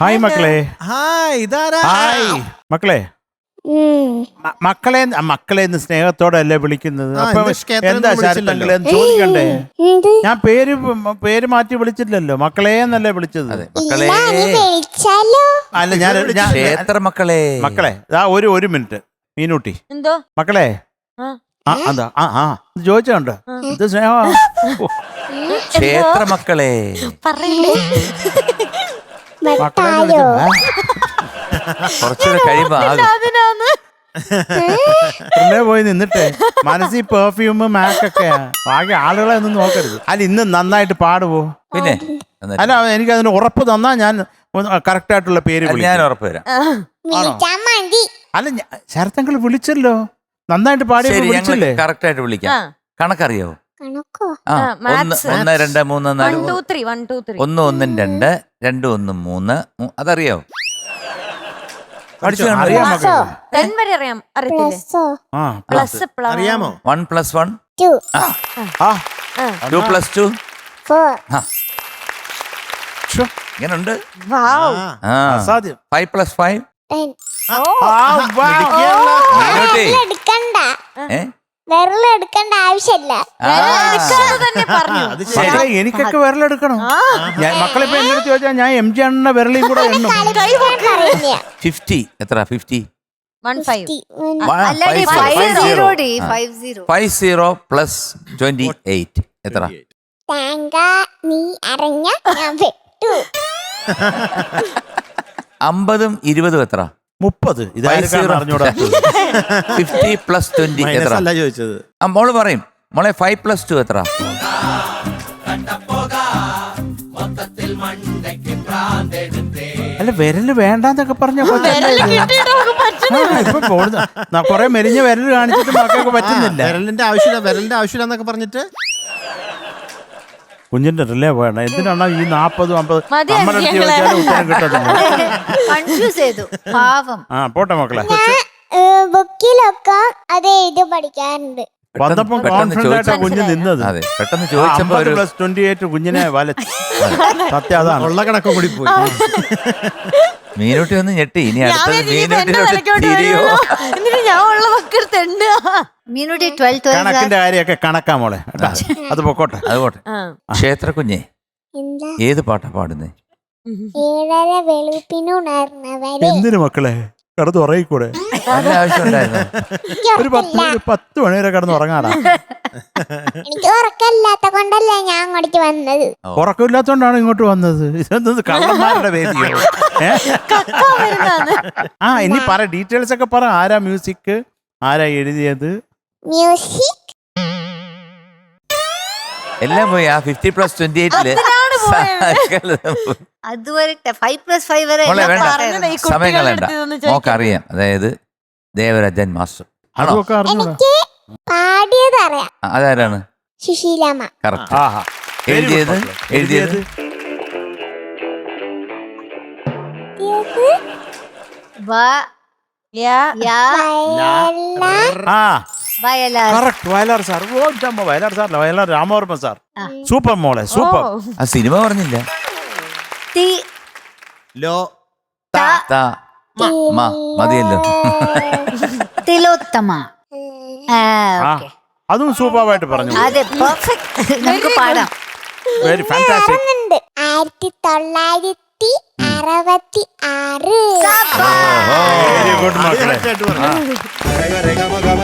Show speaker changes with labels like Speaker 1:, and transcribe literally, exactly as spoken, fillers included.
Speaker 1: Hi മക്കളെ.
Speaker 2: Hi ഇതാരാ?
Speaker 1: Hi മക്കളെ. മ- മക്കളെ മക്കളെ എന്ന് സ്നേഹത്തോടെ അല്ലേ വിളിക്കുന്നത്?
Speaker 2: ആ,
Speaker 1: അപ്പൊ
Speaker 2: ഇന്ന് ക്ഷേത്രത്തിൽ
Speaker 1: എന്താ
Speaker 2: വിളിച്ചില്ലല്ലോ.
Speaker 1: ശരത്തങ്ങളെ എന്ന് ചോദിക്കണ്ടേ? ഞാൻ പേര് മ- പേര് മാറ്റി വിളിച്ചില്ലല്ലോ, മക്കളെ എന്നല്ലേ വിളിച്ചത്.
Speaker 3: അതെ മക്കളെ,
Speaker 1: അല്ല ഞാൻ ഞാൻ-
Speaker 3: ക്ഷേത്ര മക്കളെ.
Speaker 1: മക്കളെ ആ ഒരു ഒരു മിനിറ്റ് മീനൂട്ടി.
Speaker 4: എന്തോ
Speaker 1: മക്കളെ
Speaker 4: ആ.
Speaker 1: ആ അതാ ആ ആ ഇത് ചോദിച്ചോണ്ട് ഇത് സ്നേഹ
Speaker 3: ക്ഷേത്ര മക്കളെ.
Speaker 4: പറയണ്ടേ?
Speaker 1: മക്കളെ എന്ന് വിളിച്ചത്. ആ,
Speaker 3: കുറച്ചുകൂടെ കഴിയുമ്പോ ആകും.
Speaker 4: അതിനാന്ന്
Speaker 1: പിള്ളേ പോയി നിന്നിട്ടെ മനസ്സിൽ പെർഫ്യൂം മാക്കൊക്കെ ബാക്കി ആളുകളെ ഒന്നും നോക്കരുത്. അല്ല ഇന്ന് നന്നായിട്ട് പാടുവോ?
Speaker 3: പിന്നെ
Speaker 1: അല്ല എനിക്ക് അതിന് ഉറപ്പ് തന്നാ ഞാൻ കറക്റ്റ് ആയിട്ടുള്ള പേര്
Speaker 3: അത്
Speaker 1: വിളിക്കാം.
Speaker 3: ഞാൻ ഉറപ്പ് തരാം.
Speaker 1: അല്ല ശരത്തങ്ങൾ വിളിച്ചല്ലോ, നന്നായിട്ട് പാടി
Speaker 3: ശരി, ഞങ്ങൾ
Speaker 1: വിളിച്ചില്ലേ?
Speaker 3: കറക്റ്റ് ആയിട്ട് വിളിക്കാം.
Speaker 4: ആ.
Speaker 3: കണക്കറിയാവോ? ആ,
Speaker 4: ആ,
Speaker 3: ഒന്ന്
Speaker 4: maths.
Speaker 3: ഒന്ന് രണ്ട് മൂന്ന്
Speaker 4: വൺ
Speaker 3: നാല്
Speaker 4: two three one two three
Speaker 3: ഒന്ന് ഒന്നും രണ്ട് രണ്ട് ഒന്നും മൂന്ന് മൂ- അതറിയാവോ? പഠിച്ചു
Speaker 1: അറിയാം മക്കളെ.
Speaker 4: ടെൻ വരെ അറിയാം. അറിയത്തില്ലേ?
Speaker 1: ആ
Speaker 4: പ്ലസ്
Speaker 2: അറിയാമോ?
Speaker 3: വൺ പ്ലസ് വൺ
Speaker 1: ആ
Speaker 3: ടു പ്ലസ് ടു
Speaker 1: ശ്ശോ,
Speaker 3: ഇങ്ങനുണ്ട്.
Speaker 4: വാവ്.
Speaker 2: ആ,
Speaker 3: ആ
Speaker 1: അസാധ്യം.
Speaker 3: ഫൈവ് പ്ലസ് ഫൈവ്
Speaker 1: ആ, വാ.
Speaker 5: എടുക്കണ്ട
Speaker 3: ഏ
Speaker 5: വിരലെടുക്കണ്ട ആവശ്യമില്ല.
Speaker 3: ആ.
Speaker 4: എടുക്കാതെ തന്നെ പറഞ്ഞു.
Speaker 2: അത് ശരി.
Speaker 1: മക്കളെ എനിക്കൊക്കെ വിരലെടുക്കണം.
Speaker 4: ആ.
Speaker 1: ഞാൻ മക്കളെ ഇപ്പൊ എന്നോട് ചോദിച്ചാൽ ഞാൻ എം ജി അണ്ണ വിരളിൽ കൂടെ എണ്ണും.
Speaker 5: പറയുന്നയാ.
Speaker 3: ഫിഫ്റ്റി എത്ര? ഫിഫ്റ്റി
Speaker 4: വൺ ഫൈവ്
Speaker 6: അല്ലടി,
Speaker 3: ഫൈവ്
Speaker 6: five
Speaker 3: സീറോ.
Speaker 6: zero ഡി,
Speaker 3: ആ.
Speaker 6: five zero.
Speaker 3: Five zero plus twenty eight എത്ര?
Speaker 5: തേങ്ങ നീ അറിഞ്ഞ ഞാൻ വെട്ടു.
Speaker 3: അമ്പതും ഇരുപതും എത്ര?
Speaker 1: മുപ്പത്. ഇതായിരിക്കും അറിഞ്ഞൂടാ.
Speaker 3: ഫിഫ്റ്റി പ്ലസ് ട്വന്റി എത്ര?
Speaker 2: മൈനസ് അല്ല ചോദിച്ചത്.
Speaker 3: ആ മോള് പറയും. മോളെ ഫൈവ് പ്ലസ് ടു എത്ര?
Speaker 1: അല്ല വിരല് വേണ്ടെന്നൊക്കെ പറഞ്ഞ കൊറേ മെലിഞ്ഞ വിരല് കാണിച്ചിട്ട് മക്കൾക്ക് പറ്റുന്നില്ല.
Speaker 2: വിരലിന്റെ ആവശ്യമില്ല വിരലിന്റെ ആവശ്യമില്ല എന്നൊക്കെ പറഞ്ഞിട്ട്
Speaker 1: കുഞ്ഞിന്റെ റിലേ വേണം. എന്തിനാണ് ഈ നാപ്പതും അമ്പത്
Speaker 4: മതി
Speaker 1: നമ്മുടെ അടുത്ത്
Speaker 4: ഞങ്ങളെ.
Speaker 1: ചോദിച്ചാലും ഉത്തരം കിട്ടത്തില്ല.
Speaker 6: കൺഫ്യൂസ് ചെയ്തു പാവം.
Speaker 1: ആ പോട്ടെ മക്കളെ.
Speaker 5: ബുക്കിലൊക്കെ അത് എഴുതി പഠിക്കാറുണ്ട്.
Speaker 1: വന്നപ്പം
Speaker 3: പെട്ടെന്ന്
Speaker 1: കോൺഫിഡന്റ് ആയിട്ടാ
Speaker 3: ചോദിച്ച-
Speaker 1: കുഞ്ഞ് നിന്നത്.
Speaker 3: അതെ പെട്ടെന്ന് ചോദിച്ചപ്പോ ഒരു
Speaker 1: പ്ലസ് ട്വന്റി എയ്റ്റ് കുഞ്ഞിനെ വല സത്യം അതാണ്.
Speaker 2: ഉള്ള കണക്കും കൂടി പോയി.
Speaker 3: മീനൂട്ടി ഒന്ന് ഞെട്ടി. ഇനി
Speaker 4: ഞാൻ
Speaker 3: അടുത്തത്
Speaker 4: വിചാരിച്ചു ഇപ്പൊ എന്റെ
Speaker 3: മീനൂട്ടിനോട്
Speaker 4: തലയ്ക്കോട്ട്
Speaker 3: തിരിയോ?
Speaker 4: വരുമല്ലോ. എന്നിട്ട് ഞാൻ ഉള്ളതൊക്കെ എടുത്തുണ്ട്.
Speaker 6: മീനുട്ടി ട്വൽവ് ട്വൽവ്
Speaker 1: കണക്കിന്റെ കാര്യമൊക്കെ കണക്കാ മോളെ കേട്ടാ. അത് പൊക്കോട്ടെ.
Speaker 3: അതുപോട്ടെ. ക്ഷേത്ര കുഞ്ഞെ
Speaker 5: എന്താ
Speaker 3: ഏത് പാട്ടാ പാടുന്നേ?
Speaker 5: ഏഴര വെളുപ്പിനുണർന്നവരെ
Speaker 1: എന്തിനു മക്കളെ കിടന്ന് ഉറങ്ങിക്കൂടെ?
Speaker 3: നല്ല ആവശ്യം ഉണ്ടായിരുന്നു.
Speaker 1: ഒരു പത്ത് ഒരു പത്ത് മണി വരെ കിടന്ന് ഉറങ്ങാടാ.
Speaker 5: എനിക്ക് ഉറക്കമില്ലാത്ത കൊണ്ടല്ലേ ഞാൻ അങ്ങോട്ട് വന്നത്.
Speaker 1: ഉറക്കമില്ലാത്തോണ്ടാണ് ഇങ്ങോട്ട് വന്നത്. ഇതെന്ത് കള്ളന്മാരുടെ വേദിയോ? ഏ? ആ ഇനി പറ, ഡീറ്റെയിൽസ് ഒക്കെ പറ. ആരാ മ്യൂസിക്, ആരാ എഴുതിയത്?
Speaker 5: മ്യൂസിക്
Speaker 3: എല്ലാം പോയി. ആ ഫിഫ്റ്റി പ്ലസ് ട്വന്റി എയ്റ്റില്
Speaker 6: അതുവരെ ഫൈവ് പ്ലസ് ഫൈവ് വരെ
Speaker 3: മോളെ വേണ്ട,
Speaker 4: പറഞ്ഞതാ ഈ കുട്ടികളുടെ
Speaker 3: സമയം കളയണ്ട.
Speaker 4: അടുത്ത് ഇതൊന്ന് ചോദിക്കാൻ.
Speaker 3: മോക്കറിയാം. അതായത് ദേവരാജൻ മാസ്റ്റർ ആണോ?
Speaker 1: അതൊക്കെ അറിഞ്ഞൂടാ.
Speaker 5: എനിക്ക് പാടിയത് അറിയാം.
Speaker 3: ആ, അതാരാണ്?
Speaker 5: സുശീലാമ്മ.
Speaker 3: കറക്റ്റ്.
Speaker 1: ആഹാ.
Speaker 3: എഴുതിയത് എഴുതിയത്
Speaker 6: വ-
Speaker 4: യാ.
Speaker 6: യാ
Speaker 5: വയലാർ
Speaker 1: ആ
Speaker 6: വയലാർ.
Speaker 1: കറക്റ്റ്. വയലാർ സാർ. ഓ ഇതമ്മ വയലാർ സാർ, വയലാർ രാമവർമ്മ സാർ.
Speaker 6: ആ.
Speaker 1: സൂപ്പർ മോളെ, സൂപ്പർ.
Speaker 4: ഓ.
Speaker 3: ആ സിനിമ പറഞ്ഞില്ല.
Speaker 6: തി
Speaker 2: ലോ
Speaker 3: താ മ മതിയല്ലോ.
Speaker 6: തിലോത്തമ. ആ,
Speaker 1: ആ
Speaker 6: okay.
Speaker 1: അതും സൂപ്പറായിട്ട് പറഞ്ഞു.
Speaker 6: അതെ പെർഫെക്റ്റ്. നമുക്ക് പാടാം.
Speaker 1: Very fantastic.
Speaker 5: ഉണ്ട് ആയിരത്തി തൊള്ളായിരത്തി അറുപത്തി ആറ്.
Speaker 1: വെരി ഗുഡ് മക്കളെ.
Speaker 2: ആദ്യമായിട്ട് പറഞ്ഞു.